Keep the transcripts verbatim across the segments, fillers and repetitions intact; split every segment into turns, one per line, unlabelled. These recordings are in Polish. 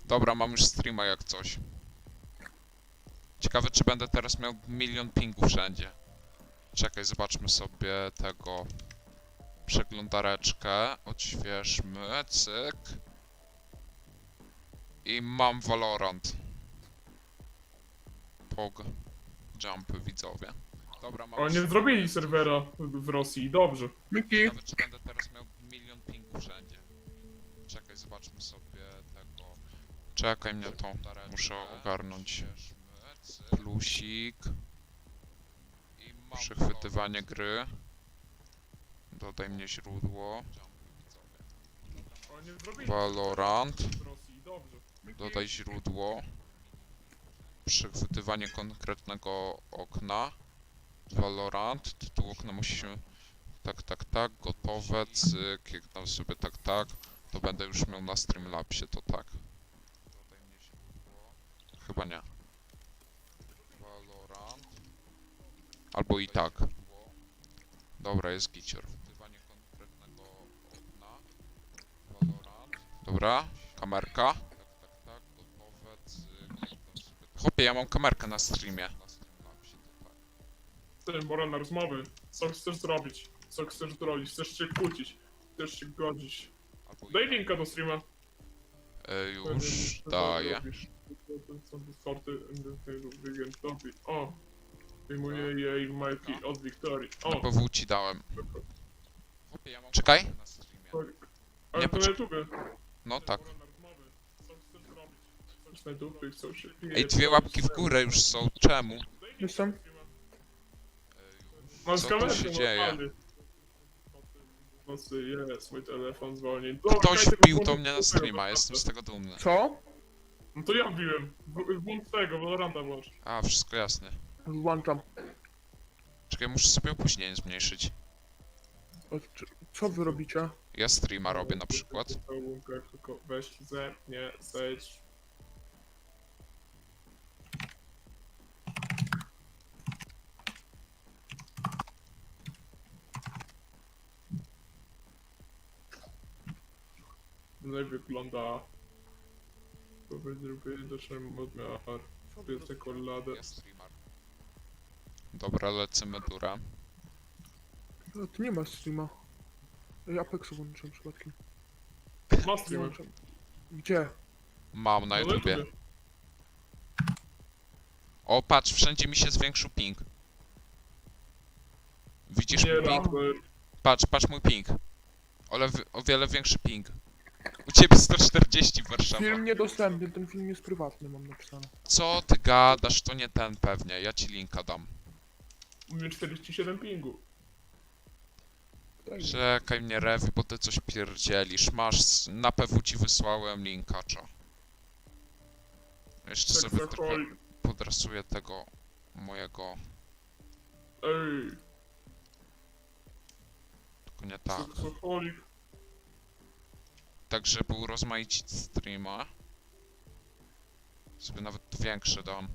Dobra, mam już streama jak coś. Ciekawe, czy będę teraz miał milion pingów wszędzie. Czekaj, zobaczmy sobie tego... Przeglądareczkę. Odświeżmy. Cyk. I mam Valorant. Pog. Jumpy, widzowie. Dobra, mam...
O, nie zrobili serwera w Rosji, dobrze. Miki.
Ciekawe, czy będę teraz miał milion pingów wszędzie. Czekaj, zobaczmy sobie tego... Czekaj mnie to. Muszę ogarnąć. Plusik. Przechwytywanie gry. Dodaj mnie źródło.
O, nie zrobili
Valorant.
w Rosji, dobrze. Miki.
Dodaj źródło. Przechwytywanie konkretnego okna. Valorant. Tytuł okna musi się... Tak, tak, tak. Gotowe. Cyk. Jak tam sobie tak, tak. To będę już miał na Streamlabsie, to tak. Dodaj mnie źródło. Chyba nie. Valorant. Albo i tak. Dobra, jest gicior. Wtywanie konkretnego okna. Valorant. Dobra, kamerka. Tak, tak, tak, gotowe, cyk. Chłopie, ja mam kamerkę na streamie.
Ty, pora na rozmowy. Co chcesz zrobić? Co chcesz zrobić? Chcesz się kłócić? Chcesz się godzić? Daj linka do streama.
E, już daję.
O! Wyjmuję jej majki od Wiktorii.
Na
O!
P W ci dałem. Czekaj.
Ale
Nie,
to na
poczek-
YouTube.
No tak.
Pora na rozmowy. Co chcesz zrobić? Chcesz na dupy, chcą się
Ej, dwie łapki w górę już są. Czemu?
Jestem.
Co tu się dzieje?
Nocy jest, mój telefon zwolni.
Ktoś wbił to mnie na streama, jestem z tego dumny.
Co?
No to ja wbiłem. W- Włącz tego, Valoranta włącz.
A, wszystko jasne.
Włączam.
Czekaj, muszę sobie opóźnienie zmniejszyć.
O, c- Co wy robicie?
Ja streama robię na przykład.
Tylko weź ze mnie, zejdź. No i wygląda... Powiedz, żeby doszedłem odmiar. Jest czekoladę.
Ja streamer. Dobra, lecimy durę.
No, ty nie masz streama. Ej, Apexu włączyłem przypadkiem.
Ma streamer.
Włączam. Gdzie?
Mam na
No
YouTubie.
YouTubie.
O, patrz, wszędzie mi się zwiększył ping. Widzisz
Nie
mój ping?
raper.
Patrz, patrz mój ping. Ale wi- o wiele większy ping. U ciebie sto czterdzieści Warszawa.
Film niedostępny, ten film jest prywatny, mam napisane.
Co ty gadasz? To nie ten pewnie. Ja ci linka dam.
U mnie czterdzieści siedem pingu.
Tak.
Czekaj mnie, Rewi, bo ty coś pierdzielisz. Masz, s- na P W ci wysłałem linka, czo. Jeszcze sobie trochę
Seksoholik.
podrasuję tego mojego...
Ej,
Tylko nie tak.
seksoholik.
Tak, żeby urozmaicić streama. Sobie nawet większy dam.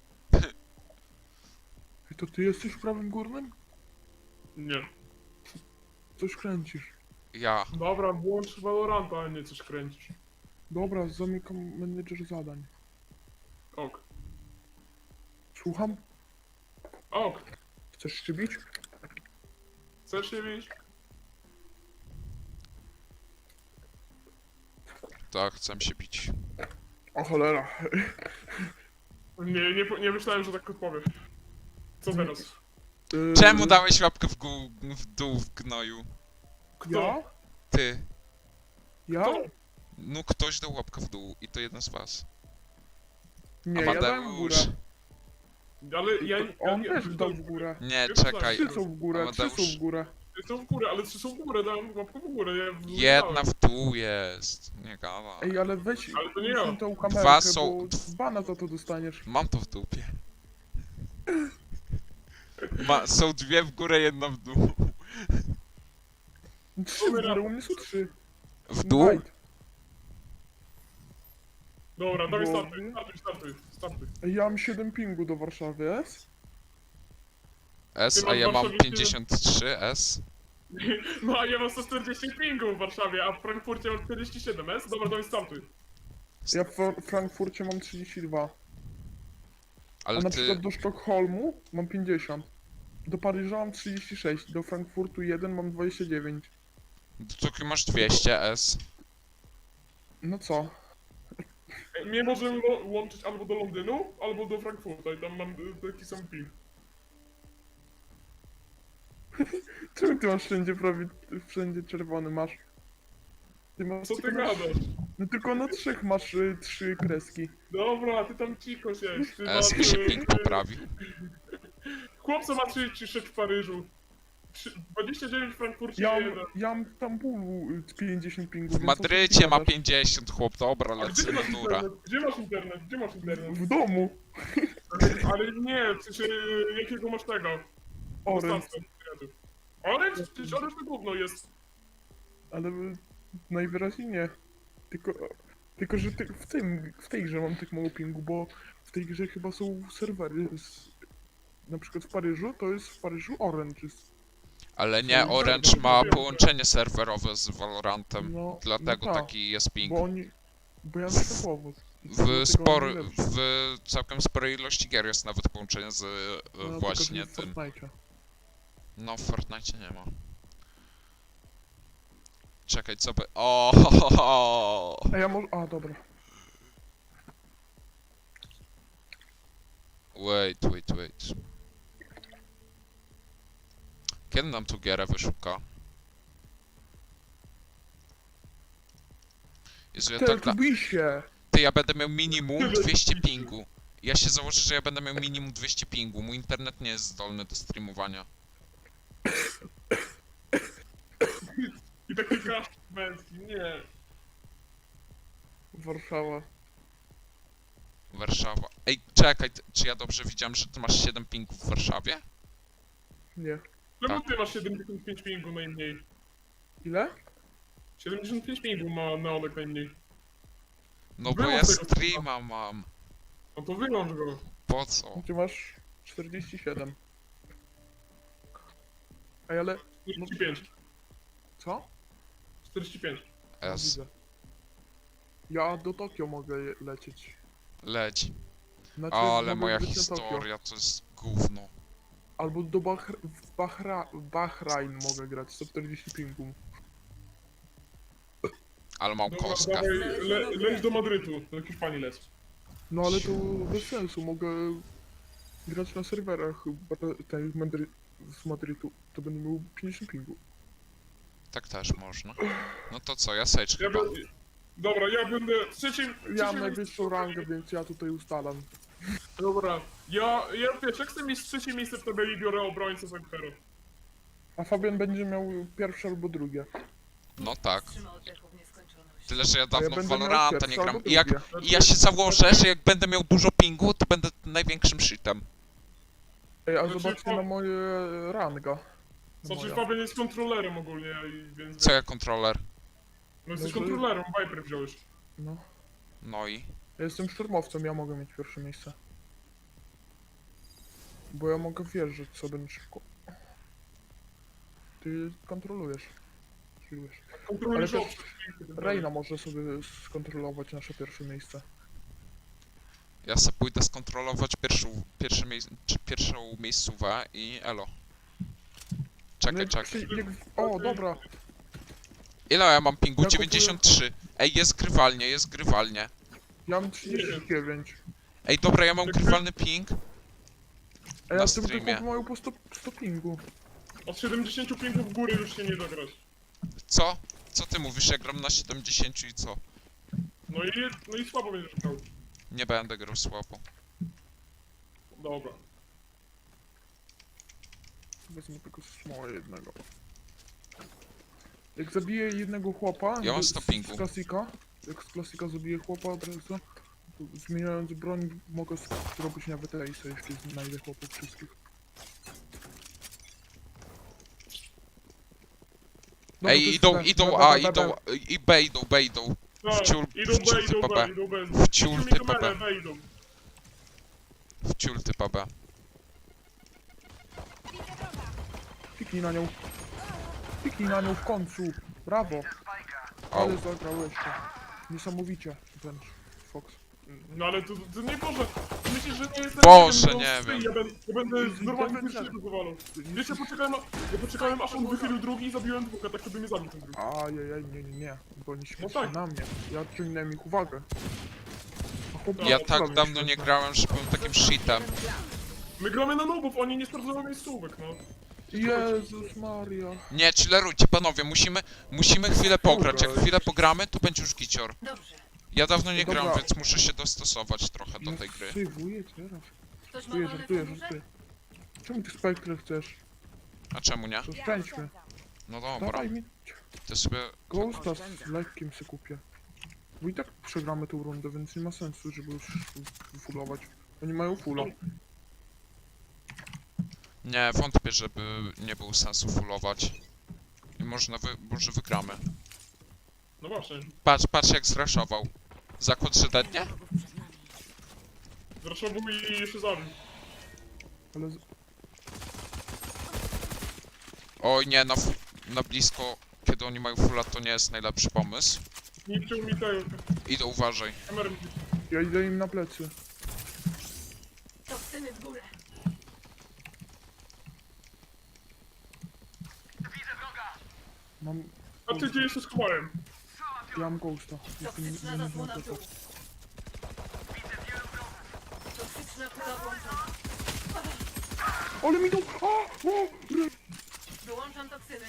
Ej, to ty jesteś w prawym górnym?
Nie.
Coś kręcisz.
Ja.
Dobra, włącz Valoranta, a nie coś kręcisz.
Dobra, zamykam menedżer zadań.
Ok.
Słucham?
Ok.
Chcesz się bić?
Chcesz się bić?
Tak, chcę się bić.
O cholera.
Nie, nie, po- nie myślałem, że tak odpowiem. Co teraz?
Yy,
Czemu dałeś łapkę w, gó- w dół w gnoju?
Ja?
Ty.
Ja?
Kto?
No ktoś dał łapkę w dół i to jeden z was.
Nie, ja dałem w
Amadeusz.
górę.
Ale ja...
On
ja,
też dał w górę.
Nie,
Ja
czekaj.
Trzy są w górę, trzy są
Amadeusz.
w górę.
Są w górę, ale trzy są w górę, dałem łapkę w górę, ja...
Jedna w dół jest. Nie gada.
Ej, ale weź
Ale to nie ja.
usuń tą kamerkę,
Dwa są-
bo bana za to dostaniesz.
Mam to w dupie. Ma, są dwie w górę, jedna w dół.
Trzy w górę, u mnie są trzy.
W dół?
Invite.
Dobra, dawaj
Bo-
startuj, startuj, startuj, startuj.
Ej, ja mam siedem pingu do Warszawy, jest?
S,
Ty
a
masz
ja mam
Warszawie
pięćdziesiąt trzy S.
No a ja mam sto czterdzieści pingu w Warszawie, a w Frankfurcie mam czterdzieści siedem, jest? Dobra, dawaj startuj.
Ja w Fra- Frankfurcie mam trzydzieści dwa. A
Ale
na
ty...
przykład do Sztokholmu mam pięćdziesiąt. Do Paryża mam trzydzieści sześć. Do Frankfurtu jeden mam dwadzieścia dziewięć.
Do Tokio masz dwieście S.
No co?
E, Mnie możemy lo- łączyć albo do Londynu, albo do Frankfurta i tam mam y, taki sam ping.
Czemu ty masz wszędzie prawie, wszędzie czerwony masz? Ty masz
Co ty
tylko na,
gadasz?
no tylko na trzech masz y, trzy kreski.
Dobra, ty tam cicho siedź. Ty
S
masz,
mi się
y,
ping
y,
poprawi.
Chłopca ma trzydzieści sześć w Paryżu. Trzy- dwadzieścia dziewięć w Frankfurcie
Ja
i
mam,
jeden.
ja mam w Stambulu y, pięćdziesiąt pingów.
W
więc o co
Madrycie
ty
ma
gadasz?
pięćdziesiąt, chłop, dobra,
A gdzie
lecę
masz
natura.
internet? Gdzie masz internet? Gdzie masz internet?
W domu.
Ale nie, w sensie y, jakiego masz tego?
Orange.
Dostawcę internetu. Orange? Przecież Orange to gówno jest.
Ale y, najwyraźniej nie. Tylko, tylko że ty, w, tym, w tej grze mam tak mało pingu, bo w tej grze chyba są serwery z, na przykład w Paryżu, to jest w Paryżu Orange. Jest,
Ale nie,
No,
Orange
tak,
ma
wiem,
połączenie serwerowe z Valorantem.
no,
Dlatego
no tak,
taki jest ping.
bo oni, bo ja myślę powód. I
W,
dlatego
spory,
oni lepsi.
w całkiem sporej ilości gier jest nawet połączenie z e,
No, tylko,
właśnie
że w
tym.
Fortnite'cie.
No w Fortnite nie ma. Czekaj, co by... O, ho, ho, ho.
A ja może, a dobra.
Wait, wait, wait. Kiedy nam tu gierę wyszuka? Jezu, ja
Ty,
tak...
tu bij się!
Ty, ja będę miał minimum dwieście pingu. Ja się założę, że ja będę miał minimum dwieście pingu. Mój internet nie jest zdolny do streamowania.
I taki kasztan męski, nie.
Warszawa.
Warszawa. Ej, czekaj, ty- czy ja dobrze widziałem, że ty masz siedem pingów w Warszawie?
Nie.
Czemu
Tak.
ty masz siedemdziesiąt pięć pingu najmniej?
Ile?
siedemdziesiąt pięć pingu ma Neonek najmniej.
No bo
Było
ja
tego
streama mam.
No to wyłącz go.
Po co?
Ty masz czterdzieści siedem. Ej, ale...
czterdzieści pięć.
Co?
czterdzieści pięć.
No,
S.
widzę. Ja do Tokio mogę je- lecieć.
Leć.
Znaczy,
Ale
mogę
moja
lecieć na Tokio.
historia to jest gówno.
Albo do Bahr w Bahra Bahrain mogę grać, sto czterdzieści pingu.
Ale mam
Dobra,
kostkę.
dawaj, le, leć do Madrytu, do Hiszpanii leć.
No ale to bez sensu, mogę grać na serwerach ba- tej Madry z Madrytu, to będę miał pięćdziesiąt pingu.
Tak też można. No to co, ja Sage
Ja
chyba.
będę... Dobra, ja będę w trzecim...
Ja
trzecim
mam najwyższą rangę, więc ja tutaj ustalam.
Dobra, ja, ja wiesz, jak chcę mieć trzecie miejsce w tabeli, biorę obrońcę z Ankara.
A Fabian będzie miał pierwsze albo drugie.
No tak.
Trzymał oddechu w nieskończoność.
Tyle, że ja
A ja
dawno w
będę miał
Valoranta nie
pierwsze
gram.
albo
I, jak,
drugie.
I ja się założę, że jak będę miał dużo pingu, to będę największym shitem.
Ej, a
Znaczy,
zobaczcie
to-
na moje ranga. Na
Znaczy,
moja.
Fabian jest kontrolerem ogólnie, i więc...
Co ja kontroler?
No jesteś
No to-
kontrolerem, Viper wziąłeś.
No.
No i.
Ja jestem szturmowcem, ja mogę mieć pierwsze miejsce. Bo ja mogę wjeżdżać sobie na szybko. Ty kontrolujesz. Kontrolujesz.
Kontrolujesz
Ale też
obszar.
Reina może sobie skontrolować nasze pierwsze miejsce.
Ja se pójdę skontrolować pierwszą, pierwsze miejsce, czy pierwszą miejscówę i elo. Czekaj,
No jak
czekaj.
przy- jak- O, dobra.
Ile ja mam pingu?
Ja kupuję-
dziewięćdziesiąt trzy. Ej, jest grywalnie, jest grywalnie.
Ja mam trzydzieści dziewięć.
Ej, dobra, ja mam
Tak,
grywalny ping.
A
Na
ja tym
streamie.
tylko mają po sto, sto pingu.
Od siedemdziesięciu pinków w górę już się nie da grać.
Co? Co ty mówisz? Ja gram na siedemdziesiąt i co?
No i, no i słabo będziesz grał.
Nie będę grał słabo.
Dobra.
Wezmę tylko smoła jednego. Jak zabiję jednego chłopa
Ja mam
z-
sto
z-
pingu.
z klasika, jak z klasika zabiję chłopa od razu, to zmieniając broń mogę zrobić nawet ace, jeśli znajdę chłopów wszystkich. Dobra, No, to
Ej,
jest
idą,
B,
idą,
B,
a,
B, B,
idą, i B idą, B idą.
Tak,
Wciul-
idą
wciul
B, idą
typa
B,
B.
idą B.
Wciul
Wciul
typa
typa
B.
B idą.
W ciul typa B.
Piknij na nią. Piknij na nią w końcu. Brawo.
Au.
Ale zagrał jeszcze. Niesamowicie wręcz. Fox.
No ale to, to nie Boże, myślisz, że nie jestem...
Boże,
wiem,
nie
no,
wiem.
Ja będę, ja będę z normalnym
Tak, tak.
pierwszego zawalał. Wiesz, ja poczekałem, ja poczekałem aż on wychylił drugi i zabiłem dwóch, a tak żeby mnie zabił ten drugi.
Ajajaj, nie, nie, nie. Bo oni śmieszą
tak.
na mnie. Ja odciągnąłem ich uwagę. A chłop
Ja
na
tak
mnie
dawno nie
śmieszą.
grałem, że byłem takim shitem.
My gramy na nubów, oni nie sprawdzają miejscówek, no.
Jezus Maria.
Nie, chillerujcie, panowie, musimy, musimy chwilę pograć. Jak
Dobra.
chwilę pogramy, to będzie już gicior.
Dobrze.
Ja dawno nie
Dobra.
gram, więc muszę się dostosować trochę do tej gry.
Sejwuję teraz.
Ktoś ma
Żartuję,
wolne
żartuję,
fundusze?
żartuję. Czemu ty Spectre chcesz?
A czemu nie?
To szczęście.
No dobra,
Dawaj mi
to sobie...
Ghosta z lekkim se kupię. Bo i tak przegramy tą rundę, więc nie ma sensu, żeby już fullować. Oni mają fulla.
Nie, wątpię, żeby nie było sensu fullować. I można wy... może wygramy.
No właśnie,
Patrz, patrz jak zraszował. Zakład, że dednie?
Wrogów przed nami.
zresztą był i jeszcze zabił.
Ale z...
Oj nie, na, fu- na blisko, kiedy oni mają fulla, to nie jest najlepszy pomysł.
Niszczył mi tego,
Idę, uważaj.
kamery.
ja idę im na plecy.
Toksyny w górę.
Mam...
A ty gdzie się schowałem?
Ja mam Ghosta. Jestem
Toksyczna
nie, nie,
zasłona w
nie,
dół. Toksyczna pula włączona.
Ale mi to... A! O!
Wyłączam toksyny.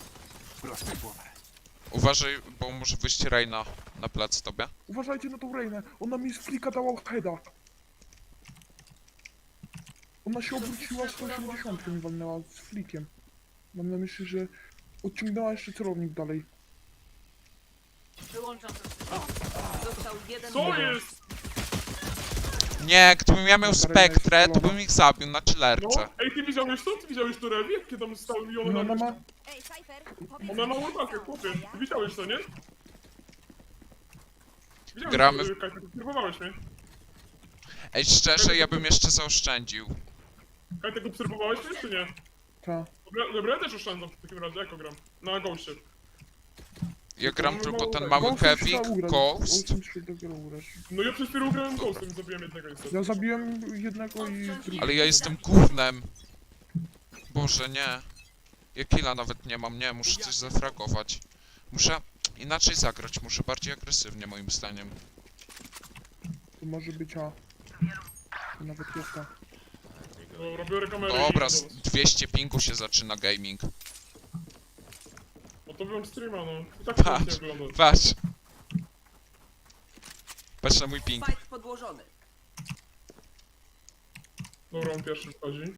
Uważaj, bo może wyjść Reina na plec tobie.
Uważajcie na tą Reinę. Ona mi z flika dała heada. Ona się obróciła sto osiemdziesiąt mi walnęła z flikiem. Mam na myśli, że odciągnęła jeszcze celownik dalej.
Wyłączam toksyny. Został jeden
Co
wróg.
jest?
Nie, gdybym ja miał
Dobra, Reina jest
spektrę, to
spalona.
bym ich zabił na
No,
chillerce.
ej, ty widziałeś to? Ty widziałeś to Rewi? Jakie tam stały i one
No
na...
ona ma...
Ej, Cypher, powiedz
Ona ma
mi,
łopakę,
co
chłopie.
ja?
Ty widziałeś to, nie? Widziałeś
Gramy
to, Kajtek, obserwowałeś mnie.
Ej, szczerze, ja bym jeszcze zaoszczędził.
Kajtek, obserwowałeś mnie, czy nie?
Ta.
Dobra, dobra, ja też oszczędzam w takim razie, jako gram? Na Ghostie.
Ja gram
No,
tylko
no,
ten
tak.
mały
Ghostem
Kevik,
trzeba ugrać.
Ghost.
Ghostem się dopiero ugrać.
No ja przez chwilę grałem Ghostem i zabiłem jednego niestety.
Ja zabiłem jednego i drugiego.
Ale ja jestem gównem. Boże, nie. Ja killa nawet nie mam, nie, muszę coś zafragować. Muszę inaczej zagrać, muszę bardziej agresywnie moim zdaniem.
To może być A. To nawet jest A.
Dobra, biorę kamerę
Dobra,
i
z
idę do was.
dwieście pingu się zaczyna gaming.
No to wyłącz streama, no. I tak
Patrz.
to nie wygląda.
Patrz. Patrz na mój ping.
Spike podłożony.
Dobra, on pierwszy wchodzi.